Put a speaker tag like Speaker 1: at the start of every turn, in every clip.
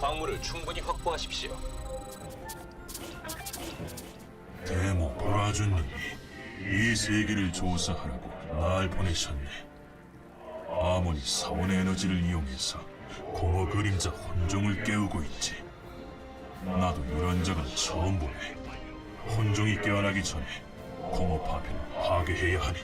Speaker 1: 광물을 충분히 확보하십시오.
Speaker 2: 데모 보라주님이 이 세계를 조사하라고 날 보내셨네. 아몬이 사원의 에너지를 이용해서 공허 그림자 혼종을 깨우고 있지. 나도 이런 적은 처음 보네. 혼종이 깨어나기 전에 공허 파편을 파괴해야 하니.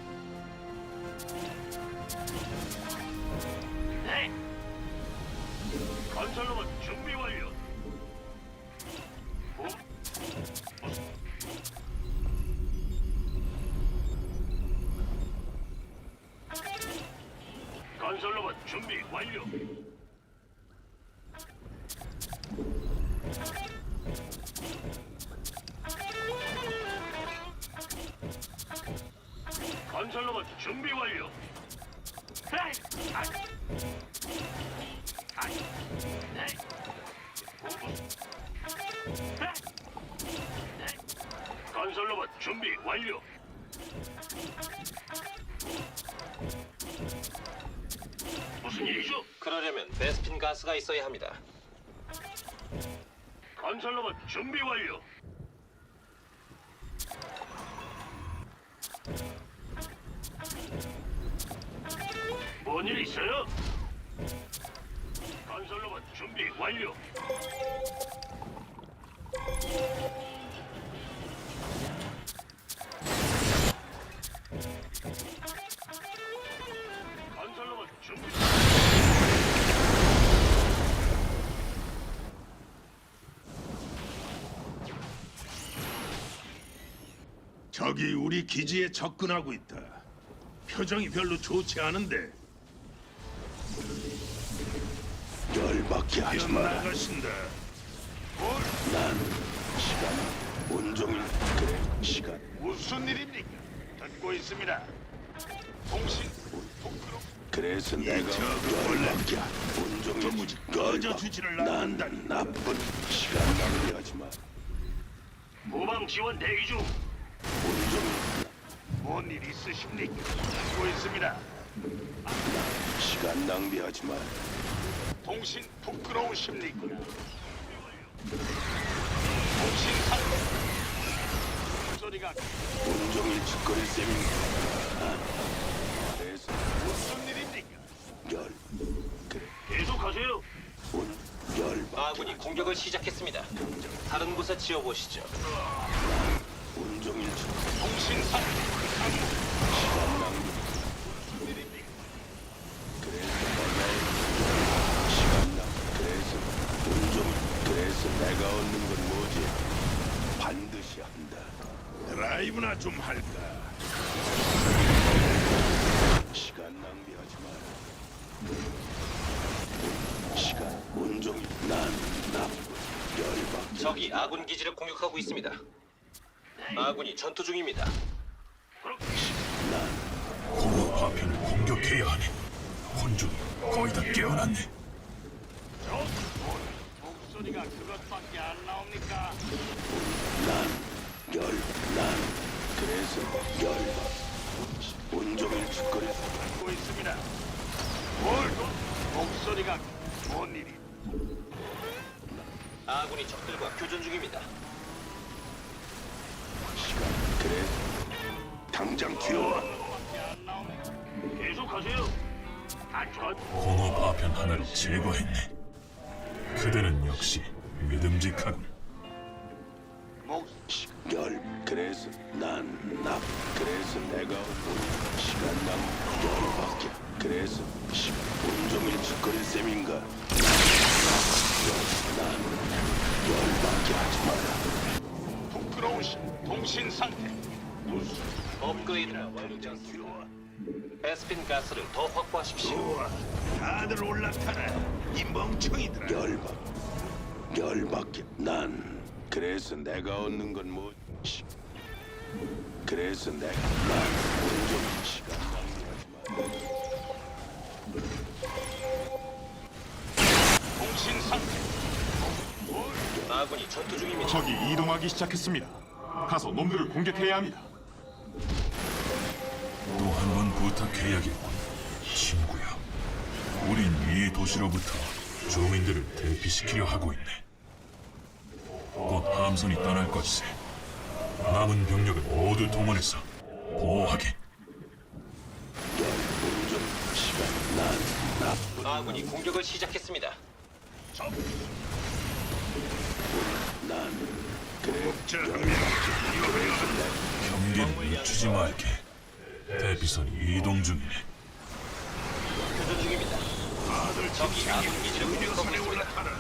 Speaker 3: 네. 건설로봇 준비 완료. 건설로봇 준비 완료. 건설로봇 준비 완료. 에이! 아! 아! 네. 네. 네. 건설로봇 준비 완료. 무슨 일이죠?
Speaker 1: 그러려면 베스핀 가스가 있어야 합니다.
Speaker 3: 건설로봇 준비 완료. 뭔 일 있어요? 건설로봇 준비 완료. 건설로봇 준비.
Speaker 4: 적이 우리 기지에 접근하고 있다. 표정이 별로 좋지 않은데. 열받게 하지 마라. 나가신다. 난 시간 온종일 그래 시간.
Speaker 3: 무슨 일입니까? 듣고 있습니다. 통신 부끄러.
Speaker 4: 그래서 내가 열받게 온종일 도무지 꺼져주지를 않는다니. 나쁜 시간 낭비하지 마.
Speaker 3: 후방 지원 대기 중.
Speaker 4: 온종일
Speaker 3: 뭔 일 있으십니까? 듣고 있습니다.
Speaker 4: 시간 낭비하지 마.
Speaker 3: 통신 부끄러우십니까? 통신 상태. 소리가
Speaker 4: 온종일 짓거릴 셈인가. 그래서
Speaker 3: 무슨 일입니까?
Speaker 4: 열 그래
Speaker 3: 계속하세요.
Speaker 4: 열받게
Speaker 1: 아군이 공격을 시작했습니다. 다른 곳에 지어보시죠.
Speaker 4: 온종일
Speaker 3: 통신 상태.
Speaker 4: 시간 낭비.
Speaker 3: 무슨 일입니까?
Speaker 4: 그래서 내가 시간 낭비. 그래서 온종일 그래서 내가 얻는 건 뭐지? 반드시 한다. 드라이브나 좀 할까? 시간 낭비하지 마라. 시간 온종일 난 나쁜 열받게.
Speaker 1: 적이 아군 기지를 공격하고 있습니다. 아군이 전투 중입니다.
Speaker 2: 공허 파편을 공격해야 하니. 혼종이 거의 다 깨어났네.
Speaker 3: 목소리가 그것밖에 안 나옵니까?
Speaker 4: 난 그래서 열받. 온종일 짓거릴
Speaker 3: 듣고 있습니다. 목소리가 뭔 일이?
Speaker 1: 아군이 적들과 교전 중입니다.
Speaker 4: 시간. 그래 당장 튀어와.
Speaker 3: 계속하세요. 안전.
Speaker 2: 공허 파편 하나를 제거했네. 그대는 역시 믿음직하군.
Speaker 4: 열 그래서 난 나. 그래서 내가 온 시간 낭 열받게. 그래서 시간 온종일 짓거릴 셈인가. 난 열받게 하지 마라.
Speaker 3: 부끄러우신 통신 상태. 무슨
Speaker 1: 업그레이드가 완료되었습니다. 베스핀 가스를 더 확보하십시오.
Speaker 4: 좋아, 다들 올라타라. 이 멍청이들아. 열받게. 난 그래서 내가 얻는 건 뭐? 그래서 난 온종일 시간 낭비하지 마.
Speaker 3: 통신 상태.
Speaker 1: 아군이 전투 중입니다.
Speaker 5: 적이 이동하기 시작했습니다. 가서 놈들을 공격해야 합니다.
Speaker 2: 또 한 번 부탁해야겠군, 친구야. 우린 이 도시로부터 주민들을 대피시키려 하고 있네. 곧 함선이 떠날 것이세. 남은 병력을 모두 동원해서 보호하게.
Speaker 4: 운전 시간 난
Speaker 1: 아군이 공격을 시작했습니다.
Speaker 4: 그래
Speaker 3: 자, 위험해요.
Speaker 2: 경계를 늦추지 말게. 대피선이 이동 중이네.
Speaker 1: 교전 중입니다.
Speaker 3: 다들
Speaker 1: 적이 아군 기지를 공격하고
Speaker 3: 의료선에
Speaker 1: 있습니다.
Speaker 3: 올라타라.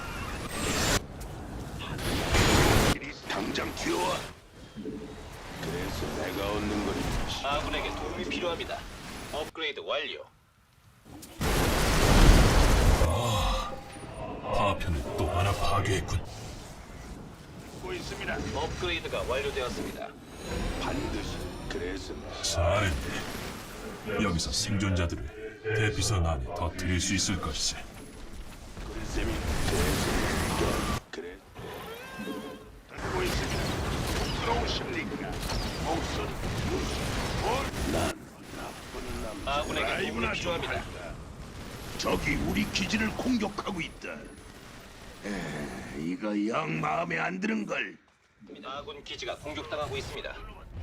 Speaker 3: 당장 튀어와.
Speaker 4: 그래서 내가 얻는 거니
Speaker 1: 아군에게 도움이 필요합니다. 업그레이드 완료.
Speaker 2: 파편을 또 하나 파괴했군.
Speaker 3: 듣고 있습니다.
Speaker 1: 업그레이드가 완료되었습니다.
Speaker 4: 반드시 그래서
Speaker 2: 잘했네. 여기서 생존자들을 대피선 안에 더 들일 수 있을 것이세.
Speaker 4: 쌤이 그래서 그래
Speaker 3: 듣고 있습니다. 부끄러우십니까? 목소리 무슨 뭘?
Speaker 1: 아군에게 도움이
Speaker 3: 라이브나 좀
Speaker 1: 필요합니다.
Speaker 3: 할까? 적이 우리 기지를 공격하고 있다. 이거 영 마음에 안 드는 걸.
Speaker 1: 아군 기지가 공격당하고 있습니다.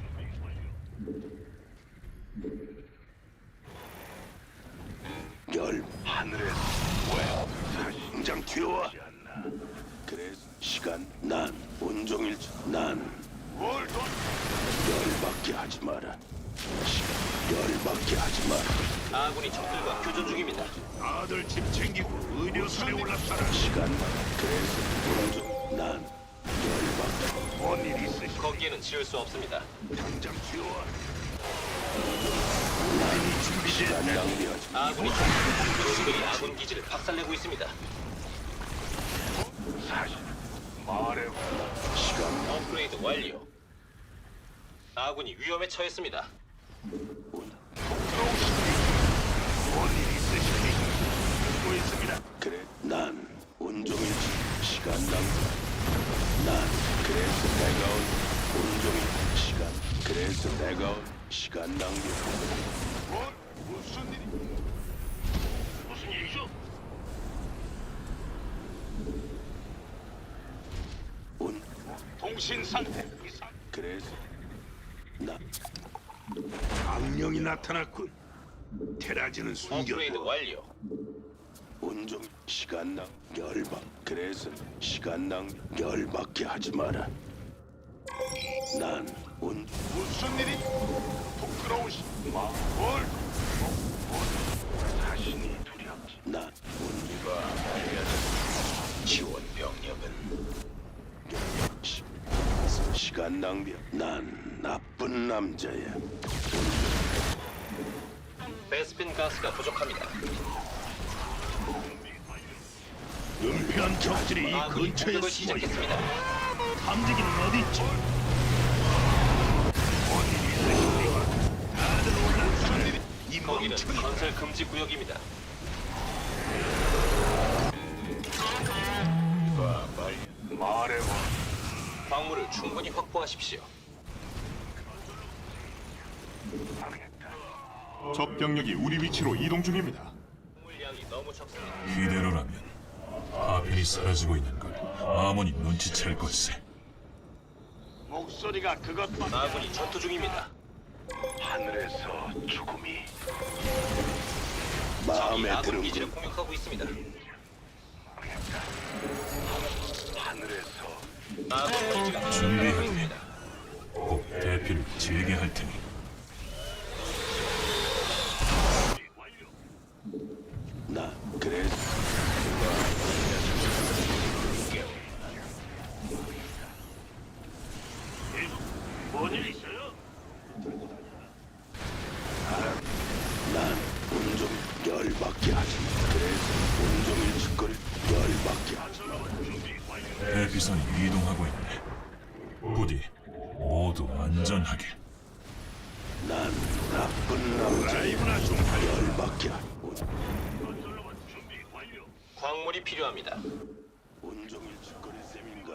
Speaker 4: 열 하늘에서 왜 당장 튀어와 그래서 시간 난 온종일 난
Speaker 3: 뭘 돈?
Speaker 4: 열받게 하지 마라 시간 열받게 하지 마라
Speaker 1: 아군이 적들과 교전 중입니다.
Speaker 3: 다들 집 챙기고 의료선에 올라타라.
Speaker 4: 시간 그래서 온종 난 열받게
Speaker 3: 뭔일 있으시?
Speaker 1: 거기에는 지을 수 없습니다.
Speaker 3: 당장 튀어와.
Speaker 4: 시간 낭비하지 마
Speaker 1: 아군이 적들이 아군 기지를 박살내고 있습니다.
Speaker 3: 사실 말해.
Speaker 4: 시간
Speaker 1: 업그레이드 완료. 아군이 위험에 처했습니다.
Speaker 3: 뭔일 있으십니까? 듣고 있습니다.
Speaker 4: 그래 난 온종일 시간 낭비 난 그래서 내가 온 온종일 시간 그래서 내가 온 시간 낭비
Speaker 3: 뭘? 무슨 일이? 무슨 일이죠?
Speaker 4: 온
Speaker 3: 통신 상태 이상.
Speaker 4: 그래서 나
Speaker 3: 악령이 나타났군. 테라지는
Speaker 1: 업그레이드
Speaker 3: 숨겼고
Speaker 1: 완료.
Speaker 4: 온종 시간 낭 열받 그래서 시간 낭 열받게 하지 마라 난온
Speaker 3: 무슨 일이? 부끄러우시. 뭘? 자신이 두렵지.
Speaker 4: 나
Speaker 1: 지원 병력은
Speaker 4: 시간 낭비 난 나쁜 남자야
Speaker 1: 베스핀 가스가 부족합니다.
Speaker 3: 은폐한 적들이 이
Speaker 1: 아군이
Speaker 3: 근처에
Speaker 1: 공격을
Speaker 3: 숨어 있다.
Speaker 1: 시작했습니다.
Speaker 3: 탐지기는 어디 있지? 뭔일 있으십니까? 다들 올라타라. 이
Speaker 1: 거기는
Speaker 3: 멍청이.
Speaker 1: 건설 금지 구역입니다.
Speaker 3: 말해봐.
Speaker 1: 광물을 충분히 확보하십시오.
Speaker 5: 적 병력이 우리 위치로 이동 중입니다.
Speaker 1: 물량이 너무 적습니다.
Speaker 2: 이대로라면 파편이 사라지고 있는 걸 아몬이 눈치챌 것이세.
Speaker 3: 목소리가 그것만.
Speaker 1: 아군이 전투 중입니다.
Speaker 3: 하늘에서 죽음이.
Speaker 1: 적이
Speaker 4: 마음에
Speaker 1: 아군
Speaker 4: 드는
Speaker 1: 기지를 공격하고 있습니다.
Speaker 3: 하늘에서.
Speaker 1: 아군 기지가 공격당하고
Speaker 2: 준비하게.
Speaker 1: 있습니다.
Speaker 2: 꼭 대피를 지게 할 테니.
Speaker 4: 나 그래서
Speaker 3: 뭔일 있어요?
Speaker 4: 난 온종 열받게 하지 마 그래서 온종일 짓거릴 열받게 하지 마
Speaker 2: 대피선이 이동하고 있네. 부디 모두 안전하게.
Speaker 4: 난 나쁜 남자
Speaker 3: 라이브나 좀 하려.
Speaker 4: 열받게 하지
Speaker 3: 준비 완료.
Speaker 1: 광물이 필요합니다.
Speaker 4: 온종일 짓거릴 셈인가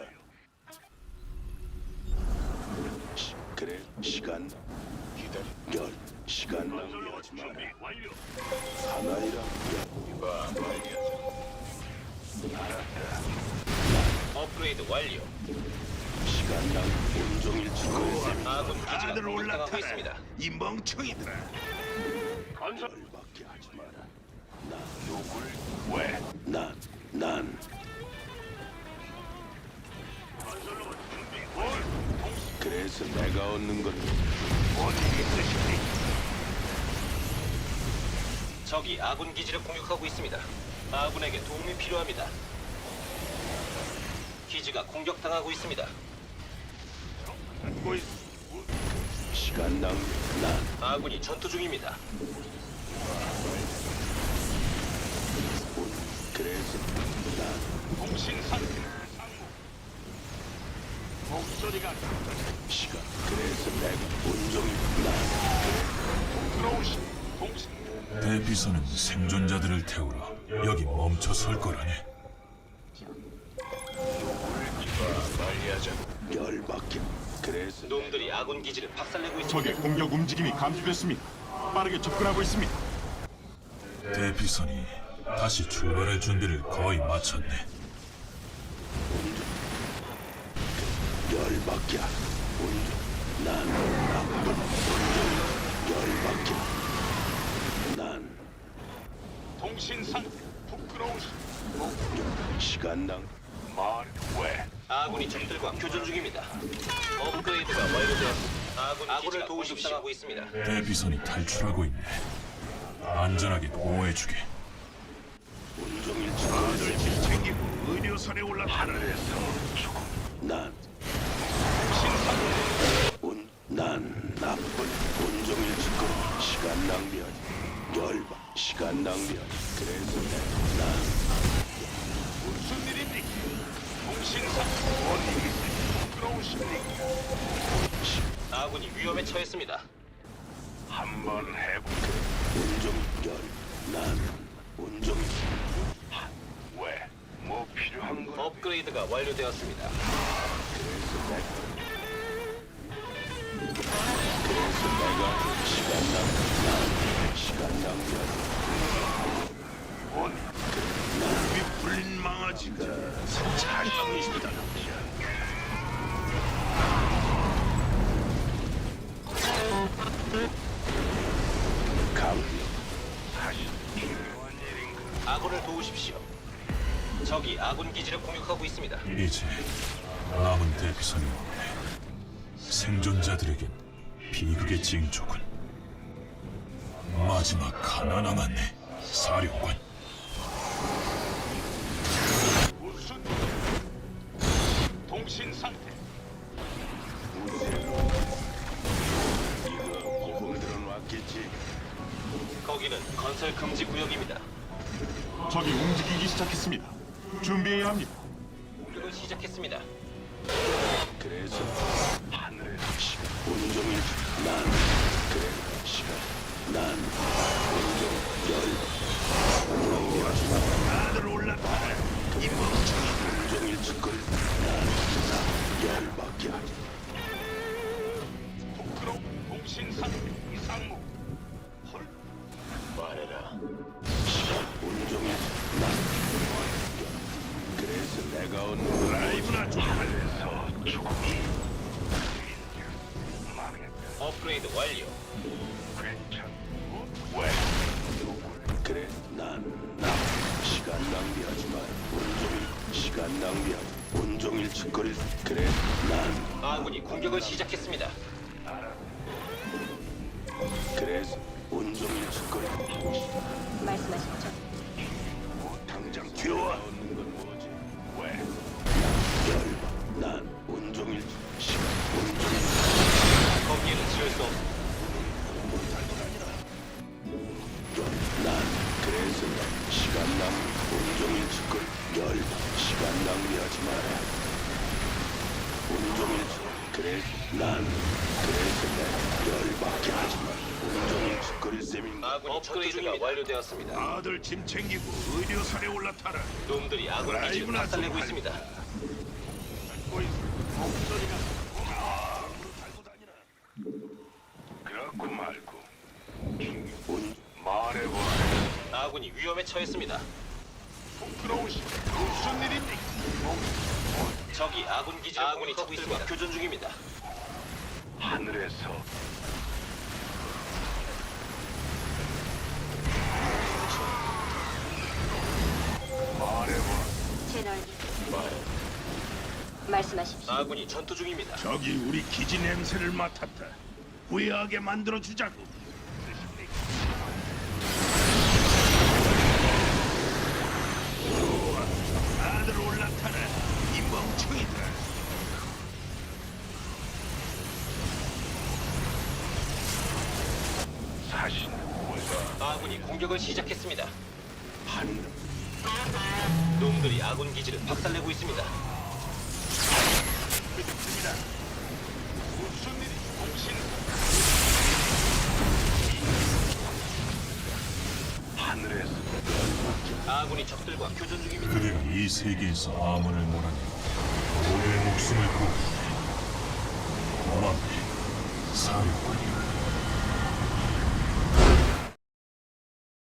Speaker 4: 그래 시간 기다려 열 시간 낭비하지 마라
Speaker 3: 준비 완료.
Speaker 4: 사나이라
Speaker 1: 업그레이드 완료.
Speaker 4: 시간 낭비. 온종일 짓거릴 셈입니다.
Speaker 1: 아군 기지가
Speaker 3: 다들
Speaker 1: 공격당하고
Speaker 3: 올라타라.
Speaker 1: 있습니다.
Speaker 3: 이 멍청이들아. 건설.
Speaker 4: 열받게 하지 마라.
Speaker 3: 누굴 왜?
Speaker 4: 난
Speaker 3: 건설로 준비. 뭘?
Speaker 4: 그래서 내가 얻는 건
Speaker 3: 뭔 일이 있으십니까?
Speaker 1: 적이 아군 기지를 공격하고 있습니다. 아군에게 도움이 필요합니다. 기지가 공격당하고 있습니다.
Speaker 3: 듣고 있.
Speaker 4: 시간 낭비.
Speaker 1: 아군이 전투 중입니다.
Speaker 4: 그래서
Speaker 3: 통신 상태. 목소리가
Speaker 4: 시간. 그래서 내가 온종일
Speaker 3: 들어오시. 통신.
Speaker 2: 대피선은 생존자들을 태우러 여기 멈춰 설 거라네.
Speaker 3: 빨리하자.
Speaker 4: 열받게. 그래서
Speaker 1: 놈들이 아군 기지를 박살내고 있습니다.
Speaker 5: 적의 공격 움직임이 감지됐습니다. 빠르게 접근하고 있습니다.
Speaker 2: 대피선이 다시 출발할 준비를 거의 마쳤네.
Speaker 4: 열받게. 난 나쁜 열받게. 난
Speaker 3: 통신 상태. 부끄러우시.
Speaker 4: 시간 낭.
Speaker 3: 말 왜?
Speaker 1: 아군이 적들과 교전 중입니다. 업그레이드가 완료되었습니다. 아군을 도우십시오. 있습니다.
Speaker 2: 대피선이 탈출하고 있네. 안전하게 보호해주게.
Speaker 4: 온종일
Speaker 3: 다들
Speaker 4: 짓거릴
Speaker 3: 짐 챙기고 의료선에 올라타라. 하늘에서
Speaker 4: 난
Speaker 3: 통신 상태.
Speaker 4: 난 나쁜 온종일 짓거릴 시간 낭비하지. 열받. 시간 낭비하지. 그래서 난
Speaker 3: 무슨 일입니까? 통신 상태. 뭔 일이 있으십니까? 부끄러우십니까?
Speaker 1: 아군이 위험에 처했습니다.
Speaker 3: 한번 해보.
Speaker 4: 난 온종일
Speaker 3: 왜? 뭐 필요한 거?
Speaker 1: 업그레이드가 완료되었습니다.
Speaker 4: 그래서 내가 시간 낭비하지.
Speaker 3: 뭔? 이 불린 망아지가 자신이다.
Speaker 4: 감
Speaker 3: 사실 중요한 일인가?
Speaker 1: 아군을 도우십시오. 적이 아군 기지를 공격하고 있습니다.
Speaker 2: 이제 남은 대피선이 없네. 생존자들에겐 비극의 징조군. 마지막 하나 남았네. 사령관.
Speaker 3: 무슨 통신 상태?
Speaker 4: 이거 보험들은 왔겠지.
Speaker 1: 거기는 건설 금지 구역입니다.
Speaker 5: 적이 움직이기 시작했습니다. 준비해야 합니다.
Speaker 1: 공격을 시작했습니다.
Speaker 4: 그래서
Speaker 3: 하늘
Speaker 4: 시간 온종일 그래 시간 온종일 낭비하지 마.
Speaker 3: 다들 올라타라. 이 멍청이.
Speaker 4: 온종일 짓거릴 열받게 하지.
Speaker 3: 부끄러워. 통신 상태. 이상무. 헐.
Speaker 1: 말해라.
Speaker 4: 시간 온종일 그래서 내가 얻는
Speaker 3: 라이브나 좀 하늘에서 죽음이. 망했다.
Speaker 1: 업그레이드 완료.
Speaker 3: 괜찮. 왜?
Speaker 4: 그래 난 시간 낭비하지 마. 온종일 시간 낭비하지. 온종일 짓거릴 그래 난
Speaker 1: 아군이 공격을 시작했습니다.
Speaker 4: 그래서 온종일 짓거릴
Speaker 6: 말씀하십시오.
Speaker 3: 당장 튀어와.
Speaker 4: 얻는 건 뭐지?
Speaker 3: 왜?
Speaker 4: 열받. 난 온종일 시간 온종일
Speaker 1: 거기에는 지을 수 없습니다.
Speaker 4: 난 그래서 난 시간 낭비 온종일 짓거릴 열받. 시간 낭비하지 마라. 온종일 그래 난 그래서 내 열받게 하지 마. 온종일 짓거릴 셈인가?
Speaker 1: 아군이 업그레이드가 완료되었습니다.
Speaker 3: 다들 짐 챙기고 의료선에 올라타라.
Speaker 1: 놈들이 아군 기지를 박살내고 있습니다.
Speaker 3: 듣고 있어. 목소리가 달고 다니라. 그렇고 말고
Speaker 4: 온
Speaker 3: 말해봐.
Speaker 1: 아군이 위험에 처했습니다.
Speaker 3: 시끄러우시. 무슨 일입니까?
Speaker 1: 적이 아군 기지를 아군이 적들과 교전 중입니다.
Speaker 3: 하늘에서 말해봐.
Speaker 6: 채널 말씀하십시오.
Speaker 1: 아군이 전투 중입니다.
Speaker 3: 저기 우리 기지 냄새를 맡았다. 후회하게 만들어 주자고. 좋아, 다들 올라타라. 이 멍청이들. 사신
Speaker 1: 아군이 공격을 시작했습니다.
Speaker 4: 한
Speaker 1: 놈들이 아군 기지를 박살내고 있습니다.
Speaker 3: 믿습니다. 무슨 일이 공신 하늘에서
Speaker 1: 아군이 적들과 교전 중입니다.
Speaker 2: 그대가 이 세계에서 암원을 몰아내 우리의 목숨을 구해 고맙네 사령관이여.